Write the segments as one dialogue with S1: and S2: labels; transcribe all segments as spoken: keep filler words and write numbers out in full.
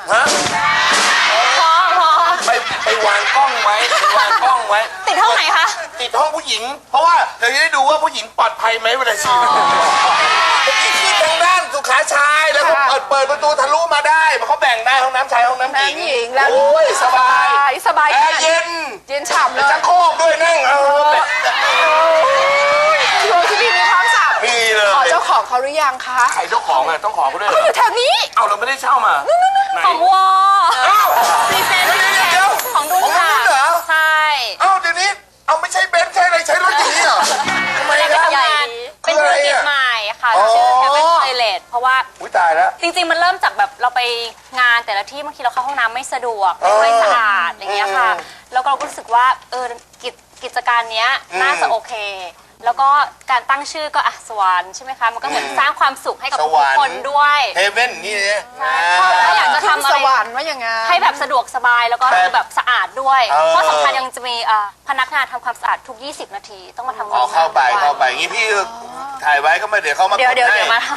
S1: ฮะ
S2: พอพอ
S1: ไปไปวางกล้องไว้วางกล้องไว้
S2: ติดห้องไหนคะ
S1: ติดห้องผู้หญิงเพราะว่าเดี๋ยวจะได้ดูว่าผู้หญิงปลอดภัยไหมเวลาฉีดนี่คือทางด้านสุขาชายแล้วก็เปิดเปิดประตูทะลุมาได้เขาแบ่งได้ห้องน้ำชายห้องน้ำหญิงโอ้ยสบาย
S3: สบาย
S1: แอร์เย็น
S3: เย็นฉ่ำเลย
S1: ชักโครกด้วยนั่งเออ
S3: โรงที่มีมีพร้อมสับ
S1: มีเลย
S3: ขอเจ้าของเขาหรือยังคะ
S1: ใครเจ้าของอ่ะต้องขอเขาด้วย
S3: เขาอยู่แถวนี้
S1: เอาเราไม่ได้เช่ามา
S2: ของวอพรีเซนต์ของดุ้นค่ะใช่
S1: เอ้าเดี๋ยวนี้เอาไม่ใช่เบนซ์ใช่อะไรใช้รถอย่างนี้เหรอทำไมครับ
S2: เป็นธุรกิจใหม่ค่ะชื่อแคปเปนไทเลตเพราะว่า
S1: อุ้ยตายแล้ว
S2: จริงๆมันเริ่มจากแบบเราไปงานแต่ละที่บางทีเราเข้าห้องน้ำไม่สะดวกไม่สะอาดอย่างเงี้ยค่ะแล้วก็เราก็รู้สึกว่าเออกิจการเนี้ยน่าจะโอเคแล้วก็การตั้งชื่อก็อ่ะสวรรค์ใช่ไหมคะมันก็เหมือนสร้างความสุขให้กับทุกคนด้วย
S1: เฮเว่นนี่เนี่ย
S2: แล้วอยากจะทำอะไร
S3: สวรรค์ว่าอย่างไง
S2: ให้แบบสะดวกสบายแล้วก็แบบสะอาดด้วยเพราะสำคัญยังจะมีพนักงานทำความสะอาดทุกยี่สิบนาทีต้องมาทำความสะอาด
S1: เข้าไปเข้าไปงี้พี่ถ่ายไว้ก็มาเดี๋ยวเขามา
S2: เดี๋ยวเดี๋ยวเดี๋ยวมา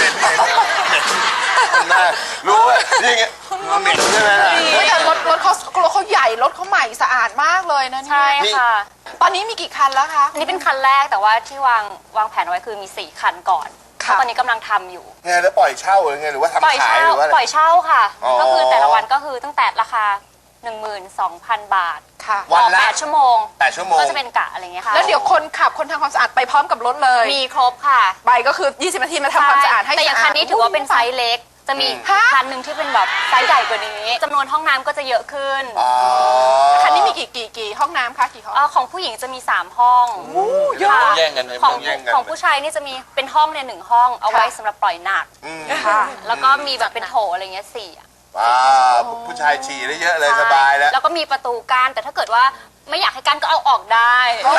S1: รู้ว่าอย่างเงี้ยเหม็นใช่ไหมล่ะ
S3: แต่รถรถเขารถเขาใหญ่รถเขาใหม่สะอาดมากเลยนะ
S2: ใช่ค่ะ
S3: ตอนนี้มีกี่คันแล้วคะ
S2: อันนี้เป็นคันแรกแต่ว่าที่วางวางแผนไว้คือมีสี่คันก่อนตอนนี้กำลังทำอยู่
S1: ไงแล้วปล่อยเช่าหรือไงหรือว่าทำขายหรือว่า
S2: ปล่อยเช่าค่ะก็คือแต่ละวันก็คือตั้งแต่ราคา หนึ่งหมื่นสองพัน บาท
S3: ค่ะ
S1: วันละ
S2: แปดชั่วโมง
S1: แปดชั่วโมง
S2: ก็จะเป็นกะอะไรเงี้ยค่ะ
S3: แล้วเดี๋ยวคนขับคนทำความสะอาดไปพร้อมกับรถเลย
S2: มีครบค่ะ
S3: ไปก็คือยี่สิบนาทีมาทำความสะอาดให้
S2: แต่อย่างคันนี้ถือว่าเป็นไซส์เล็กจะมีคันหนึ่งที่เป็นแบบไซส์ใหญ่กว่านี้จำนวนห้องน้ำก็จะเยอะขึ้น
S3: คันนี้มีกี่กี่กี่ห้องน้ำคะกี่ห้อง
S2: ของผู้หญิงจะมีสามห้อง
S1: เยอะแย่งกัน
S2: ของของผู้ชายนี่จะมีเป็นห้องเนี่ยหนึ่งห้องเอาไว้สำหรับปล่อยหนักแล้วก็มีแบบเป็นโถอะไรเงี้ยสี่
S1: ว้าผู้ชายฉี่ได้เยอะเลยสบายแล้ว
S2: แล้วก็มีประตูกั้นแต่ถ้าเกิดว่าไม่อยากให้กั้นก็เอาออกได้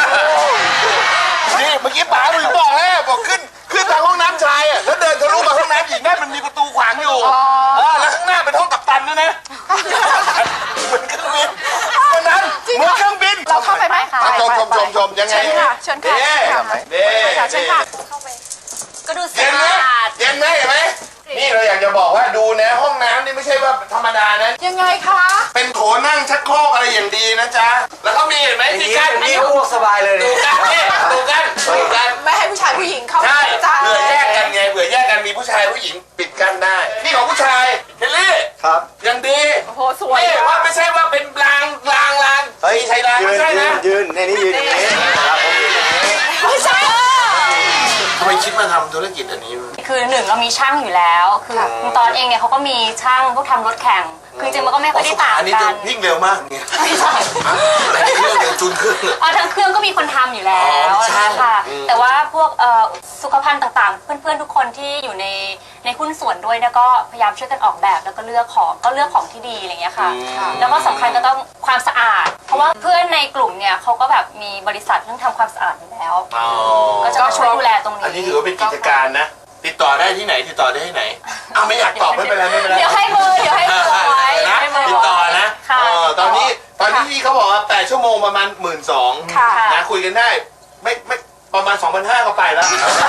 S1: นี่เมื่อกี้ป๋าหนูบอกแล้วบอกขึ้นขึ้นทางห้องน้ำชายอ่ะแล้วเดินทะลุมาห้องน้ำหญิงได้มันมีประตูขวางอยู่แล้วข้างหน้าเป็นห้องกัปตันด้วยนะเหมือนเครื่องบินวันนั้นเหมือนเครื่องบิน
S3: เราเข้าไปไหมคะ
S1: ชมชมชมชมยังไง
S3: เชิญค่ะเชิญค่ะ
S1: เด้
S3: เชิญค่ะ
S2: เข้าไปก็ดูสะ
S1: อาดเย็นไหมเห็นไหมนี่เราอยากจะบอกว่าดูนะห้องน้ำนี่ไม่ใช่ว่าธรรมดานะ
S3: ยังไงคะ
S1: เป็นโถนั่งชักโครกอะไรอย่างดีนะจ๊ะแล้วเขามีเห็นไหมที่กั้น
S4: นี่อ้วกสบายเลย
S1: ดูกันดูกันดูกัน
S3: ไม่ให้ผู้ชายผู้หญิงเข้า
S1: ใช่เผื่อแยกกันไงเผื่อแยกกันมีผู้ชายผู้หญิงปิดกั้นได้นี่ของผู้ชายเฮลลี่
S4: ครับ
S1: ยังดี
S3: โอ้โหสวย
S1: ว่าไม่ใช่ว่าเป็นรางรางราง
S4: เฮ้ย
S1: ใช่รางไม่ใช่นะ
S4: ยืนในนี้ยืนอย่างนี้ครับผมยืนอย่างนี้
S3: ไม่ใช่
S1: ทำไมคิดมาทำธุรกิจอันนี้
S2: คือหนึ่งเรามีช่างอยู่แล้วคือตอนเองเนี่ยเขาก็มีช่างพวกทำรถแข่งคือจริงมันก็ไม่ค่อยได้ต่างกันอันนี้
S1: จะวิ่งเร็วมากเนี่ยไม่ใช่อะไรเครื่องอย่างจุนเครื่อง
S2: อ๋อทั้งเครื่องก็มีคนทำอยู่แล้วค่ะแต่ว่าพวกสุขภัณฑ์ต่างๆเพื่อนๆทุกคนที่อยู่ในในหุ้นส่วนด้วยเนี่ยก็พยายามช่วยกันออกแบบแล้วก็เลือกของก็เลือกของที่ดีอะไรเงี้ยค่ะแล้วก็สำคัญก็ต้องความสะอาดเพราะว่าเพื่อนในกลุ่มเนี่ยเขาก็แบบมีบริษัทเรื่องทำความสะอาดอยู่แล้วก็จะช่วยดูแลตรงนี้
S1: อันนี้ถือว่าเป็นกิจการนะติดต่อได้ที่ไหนติดต่อได้ที่ไหนอ้าวไม่อยากตอบไม่เป็นไรไม่เป็นไร
S2: เดี๋ยวให้เบอร์เดี๋ยวให้เบอร์ไว้
S1: นะติดต่อนะตอนนี้ตอนนี้พี่เขาบอกว่าแปดชั่วโมงประมาณหมื่นสองนะคุยกันได้ไม่ไม่ประมาณสองพันห้าก็ไปแล้ว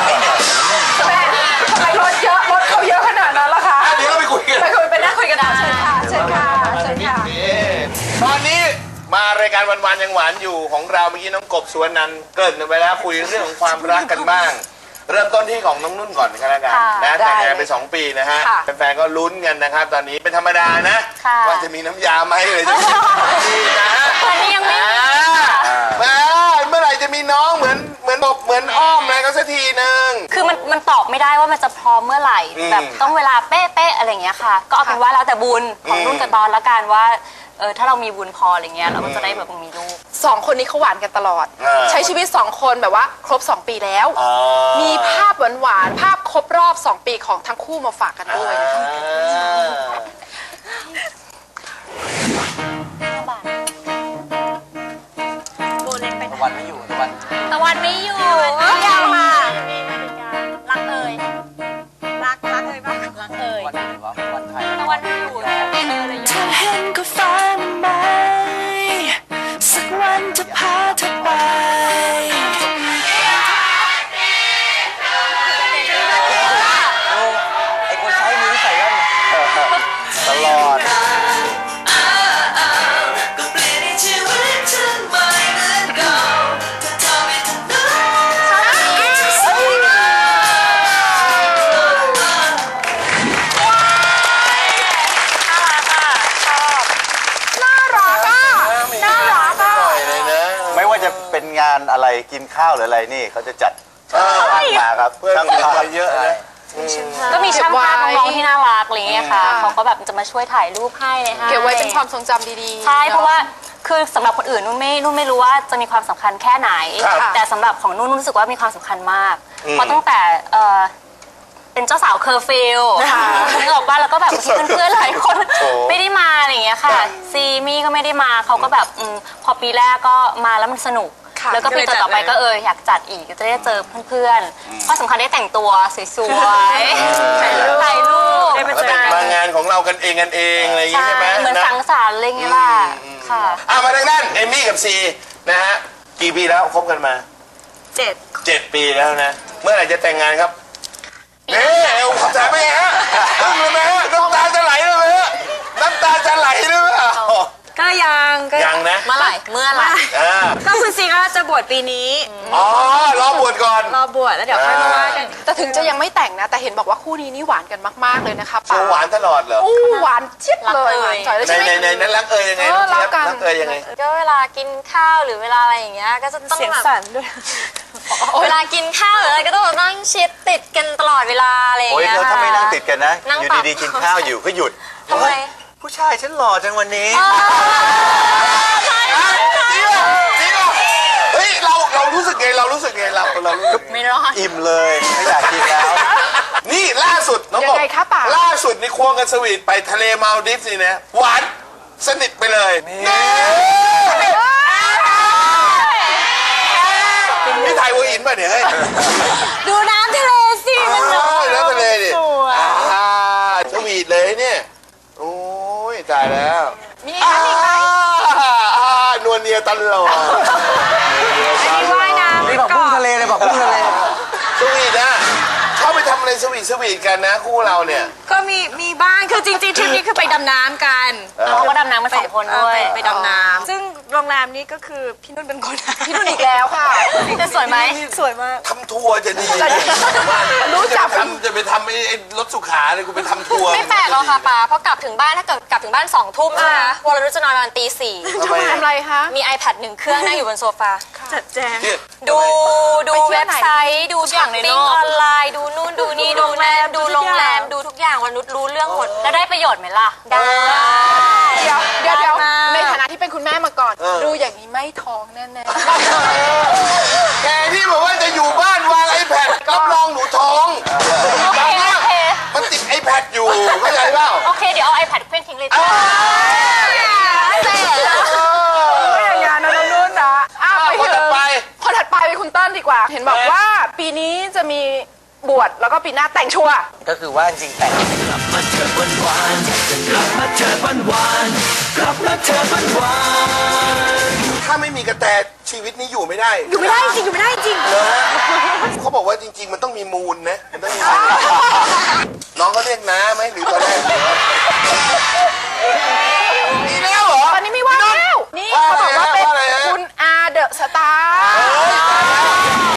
S3: ทำไมรถเยอะรถเขาเยอะขนาดนั้นล่ะคะ
S1: เดี๋ยวเราไปคุยกัน
S3: ไปคุยไปนั่งคุยกันนะเชิญค่ะเชิญค่ะเชิญค่ะ
S1: ตอนนี้มารายการวันๆยังหวานอยู่ของเราเมื่อกี้น้องกบสุวรรณันท์เกริ่นไปแล้วคุยเรื่องของความรักกันบ้างเริ่มต้นที่ของน้องนุ่นก่อนกันแล้วกันนะแต่งงานไปสองปีนะฮะแฟนๆก็ลุ้นกันนะครับตอนนี้เป็นธรรมดานะว่าจะมีน้ำยาไหมเลยจะมีนะฮะ
S2: ตอนนี้ยังไม่
S1: เมื่อไหร่จะมีน้องเหมือนเหมือนบอกเหมือนอ้อมอะไรก็สักทีนึง
S2: คือมันมันตอบไม่ได้ว่ามันจะพร้อมเมื่อไหร่แบบต้องเวลาเป๊ะๆอะไรอย่างเงี้ยค่ะก็เอาเป็นว่าแล้วแต่บุญของนุ่นกับตอนละกันว่าเออถ้าเรามีบุญพออะไรเงี้ยเราก็จะได้แบบมีลูก
S3: สองคนนี้เขาหวานกันตลอดใช้ชีวิตสองคนแบบว่าครบสองปีแล้วมีภาพหวานๆภาพครบรอบสองปีของทั้งคู่มาฝากกันด้วย
S2: โบเล็กไป
S4: ตะวันไม่อยู่ตะวัน
S2: ตะวันไม่อยู่ยาวมารักเอ่ยรักรักเอ่ยบ้างรักเอ่ย
S4: วันไหนวะวันไทย
S2: ตะวันไม่อยู่เออเลย
S5: เธอเห็นก็ฟ้าไหมสักวันจะพาเธอไป
S4: ไอ้คนใช้มือใส่กัน
S6: กินข้าวหรืออะไรนี่เขาจะจัด
S1: เออ
S6: ช่างมาครับ
S1: เพื่อน
S6: ช่าง
S1: เก็บ
S6: ภาพ
S1: ไว้เยอะนะ
S2: ก็มีช่างภาพ
S3: เก็บไว้
S2: น้องๆที่น่ารักอะไรเงี้ยค่ะ
S3: อืม
S2: เขาก็แบบจะมาช่วยถ่ายรูปให้เลยให้
S3: เก็บไว้เป็นความทรงจำดีๆ
S2: ใช่
S3: นอ
S2: เพราะว่าคือสำหรับคนอื่นนุ่นไม่นุ่นไม่รู้ว่าจะมีความสำคัญแค่ไหน
S3: ครับ
S2: แต่สำหรับของนุ่นนุ่นรู้สึกว่ามีความสำคัญมาก เพราะตั้งแต่เอ่อเป็นเจ้าสาวเคอร์ฟิลนึกออกป่ะแล้วก็แบบที่เพื่อนๆหลายคนไม่ได้มาอะไรอย่างเงี้ยค่ะซีมี่ก็ไม่ได้มาเขาก็แบบอมพอปีแรกก็มาแล้วมันสนุก
S3: ค่ะ
S2: แล้วก็ปีต่อๆไปก็เอออยากจัดอีกจะได้เจอเพื่อนๆเพราะสำคัญได้แต่งตัวสวยๆถ่ายรูปถ่ายรูป
S1: แล้วเป็นมางานของเรากันเองกันเองอะไรอย่างงี้
S2: ใช่
S1: ใช่ไหม
S2: เหมือน
S1: นะ
S2: สังสรรค์อะไรเงี้ยล่ะค่ะ
S1: อ่ะมาทางด้านเอมมี่กับซีนะฮะกี่ปีแล้วคบกันมา
S7: เจ็ด
S1: เจ็ดปีแล้วนะ เมื่อไหร่จะแต่งงานครับเอ๊ะเอวขอบใจไหมฮะอึ้งเลยไหมฮะน้ำตาจะไหลเลยไหมฮะน้ำตาจะไหลหรือเปล่า
S7: ก็ยังก็
S1: ยังนะ
S2: เมื่อไหร่เมื่อไหร่
S1: อ่า
S7: ก็คุณซีก็จะบวชปีนี้
S1: อ๋อรอบวชก่อน
S7: รอบวชแล้วเดี๋ยวค่อยมาว่ากัน
S3: แต่ถึงจะยังไม่แต่งนะ แต่เห็นบอกว่าคู่นี้นี่หวานกันมากๆเลยนะคะ
S1: โชว์หวานตลอดเหรอ
S3: อู้หวานเจี๊ยบเลยหวานจ่อยเลย
S1: ใน
S3: ใช่ไหม
S1: ในในนั้นรักเอ่ยยังไง
S3: เออ
S1: น้องเจี๊ยบ
S3: รักกัน
S1: รักเอ่ยยังไง
S8: ก็เวลากินข้าวหรือเวลาอะไรอย่างเงี้ยก็จะต้อง
S7: เสียง
S8: แบบ
S7: สั่นด้วย
S8: เวลากินข้าวหรืออะไรก็ต้องแบบนั่งชิดติดกันตลอดเวลาอะไรอย่าง
S6: โอ้ย
S8: เงี้ย
S6: แล้วถ้าไม่นั่งติดกันนะ
S8: นั่ง
S6: อยู่
S8: ปรับ
S6: ดีๆกินข้าวอยู่ก็หยุด
S8: ทำไม
S6: ผู้ชายฉันหล่อจังวันนี้
S1: จริงเหรอจริงเหรอเฮ้ยเราเรารู้สึกไงเรารู้สึกไงเราเรารู้สึก
S2: ไม่รอด
S6: อิ่มเลยไม่อยากกินแล้ว
S1: นี่ล่าสุดน้อง
S3: ยั
S1: บ
S3: ง
S1: อก
S3: ไงคะป่า
S1: ล่าสุดนี่ควงกันสวีทไปทะเลมาลดิฟส์นี่นะหวานสนิทไปเลยนี่ถ่ายหัวหินป่ะเนี่ยเฮ้ย
S8: ดูน้ำทะเลสิ
S1: อ๋อแล้วทะเลดิอ่าสวีทเลยเนี่ยโอ้ยตายแล้ว
S3: มีอีกไหมมีอีกไหม
S1: อ่าอ่านวลเนียตลอด
S7: ว่ายน้ำ
S4: นี่บอกพุ่งทะเลเลยบอกพุ่งทะเล
S1: สวีทนะชอบไปทำอะไรสวีทสวีทกันนะคู่เราเนี่ย
S7: ก็มีมีบ้างคือจริงๆทริปนี้คือไปดำน้ำกัน
S2: น้องก็ดำน้ำมาสองคน
S7: เออ
S2: ด้วย
S7: ไปไปดำน้ำซึ่งโรงแรมนี้ก็คือพี่นุ่นเป็นคน
S3: พี่นุ่นอีกแล้วค่ะ
S2: จะสวยไหม
S7: สวยมาก
S1: ทำทัวร์จะดี
S3: จะดีรู้จัก
S1: จะไปทำจะไปทำไอ้ไอ้รถสุขาเลยกูไปทำทัวร์
S8: ไม่แปลกหรอกค่ะป้าเพราะกลับถึงบ้านถ้าเกิดกลับถึงบ้านสองทุ่มใช่ไหมวรนุชจะนอนประมาณตีสี่
S1: ทำไม
S3: ทำอะไรคะ
S8: มี iPad หนึ่งเครื่องนั่งอยู่บนโซฟา
S7: จัดแจง
S1: เนี่ย
S8: ดูดู
S3: ไปเที่ยว
S8: เว็บ
S3: ไหน
S8: ไซต์ดูช้อปปิ้งออนไลน์ดูนู่นดูนี่ดูโรงแรมดูโรงแรมดูทุกอย่างวรนุชรู้เรื่องหมด
S2: แล้วได้ประโยชน์ไหมล่ะ
S8: ได้
S3: เดี๋ยวเดี๋ยวเดี๋ยว
S8: ได้มาก
S3: ในฐานะที่เป็นคุณแม่มาก่อน ดูอย่างนี้ไม่ท้องแน่
S1: แกที่บอกว่าจะอยู่บ้านวางไอแพดรับรองหนูท้อง
S2: โอเคโอเค
S1: มันติดไอแพดอยู่เข้าใจเปล่า
S2: โอเค เดี๋ยวเอา iPad เคลื่อนทิ้งเลยจ้ะ
S3: ๆไม่อย่างงานนะน้องนุ่นนะอ้าว
S1: อ้าว
S3: ไป
S1: คน
S3: เถ
S1: ถัด
S3: อะ
S1: ไป
S3: คนถัดไปเป็นคุณเติ้ลดีกว่า เห็นบอกว่าปีนี้จะมีบวชแล้วก็ปีหน้าแต่งชัวร์
S4: ก็คือว่าจริงๆแต่ง
S1: ถ้าไม่มีกระแตชีวิตนี้อยู่ไม่ได้
S7: อยู่ไม่ได้จริงอยู่ไม่ได้จริง
S1: เหรอฮะเขาบอกว่าจริง ๆ มันต้องมีมูลนะมันต้องมีมูลน้องก็เรียกน้าไหมหรือตอนแรก